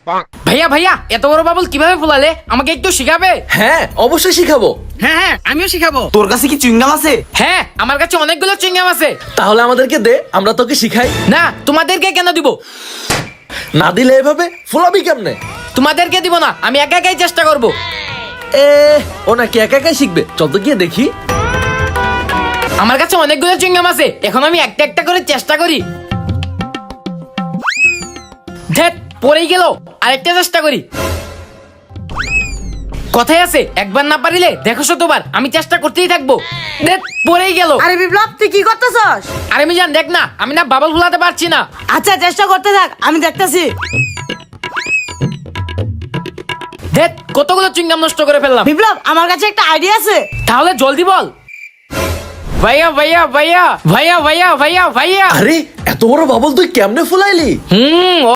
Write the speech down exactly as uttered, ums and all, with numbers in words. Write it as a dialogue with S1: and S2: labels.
S1: ভাইয়া ভাইয়া এত বড় বাবুল কিভাবে ফুলালে আমাকে একটু শিখাবে?
S2: হ্যাঁ অবশ্যই শিখাবো।
S1: হ্যাঁ হ্যাঁ আমিও শিখাবো।
S3: তোর কাছে কি চুইংগাম আছে?
S1: হ্যাঁ আমার কাছে অনেকগুলো চুইংগাম আছে।
S2: তাহলে আমাদেরকে দে, আমরা তোকে শিখাই।
S1: না তোমাদেরকে কেন দিব?
S2: না দিলে এভাবে ফুলাবি কেমনে?
S1: তোমাদেরকে দিব না, আমি একা একাই চেষ্টা করব।
S2: এ ও নাকি একা একাই শিখবে, চল তো গিয়ে দেখি।
S1: আমার কাছে অনেকগুলো চুইংগাম আছে, এখন আমি একটা একটা করে চেষ্টা করি। ধ্যাৎ পড়েই গেল, আরেকটা চেষ্টা করি। কথাই আছে একবার না পারিলে দেখো শতবার, আমি চেষ্টা করতেই থাকবো। ধ্যাৎ পড়েই গেল।
S4: আরে বিপ্লব তুই কি করতেছস?
S1: আরে মিজান দেখ না, আমি না বাবল ফুলাতে পারছি না।
S4: আচ্ছা চেষ্টা করতে থাক, আমি দেখতেছি।
S1: ধ্যাৎ কতগুলো চুইংগাম নষ্ট করে ফেললাম।
S4: বিপ্লব আমার কাছে একটা আইডিয়া আছে।
S1: তাহলে জলদি বল। ভাইয়া ভাইয়া ভাইয়া ভাইয়া ভাইয়া ভাইয়া ভাইয়া
S2: আরে এত বড় বাবল তুই কেমনে ফুলাইলি?
S1: হুম